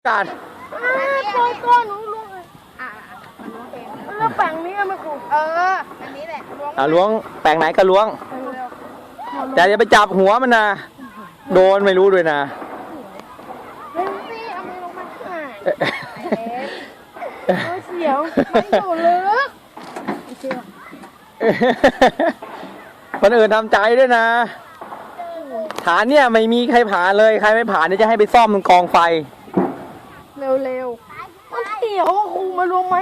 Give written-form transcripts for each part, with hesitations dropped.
การตัวหนูลงเลยมันล้วงเองแล้วแปลงนี้ไม่ครูอันนี้แหละล้วงแปลงไหนก็ล้วงแต่อย่าไปจับหัวมันนะโดนไม่รู้ด้วยนะเล่นสิเอามือลงมาเสียวมันอยู่ลึกคนอื่นทำใจด้วยนะฐานเนี่ยไม่มีใครผ่านเลยใครไม่ผ่านเนี่ยจะให้ไปซ่อมมันกองไฟเร็วๆมันเสียวครูมาลงไหม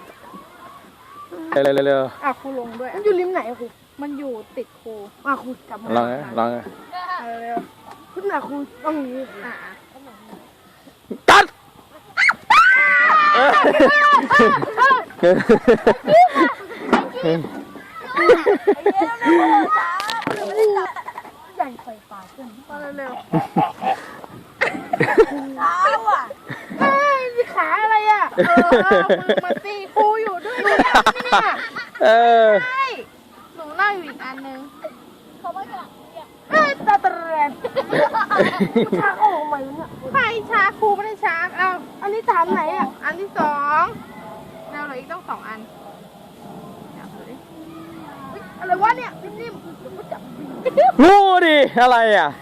เร็วครูลงด้วยมันอยู่ริมไหนครูมันอยู่ติดครูครูจับมาลองเร็วขึ้นครูต้องนี้ตัดใหญ่ไฟฟ้าขึ้นเร็วมีขาอะไรมาตีครูอยู่ด้วยเนี่ยใช่หนูนั่งอยู่อีกอันนึงเขาไม่กลับตาเตรนชาโอ้ไม่เนี่ยใครชาครูไม่ได้ชาอันนี้ฐานไหนอันที่2เราเหลืออีกต้อง2 อันอะไรวะเนี่ยนิ่มๆงูดิอะไร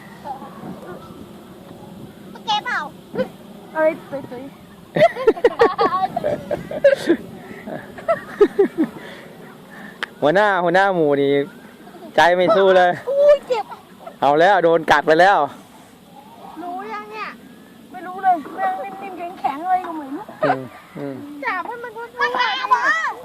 เก็บเปล่าเอ้ยสวยหัวหน้าหมูนี่ใจไม่สู้เลยเจ็บเอาแล้วโดนกัดไปแล้ว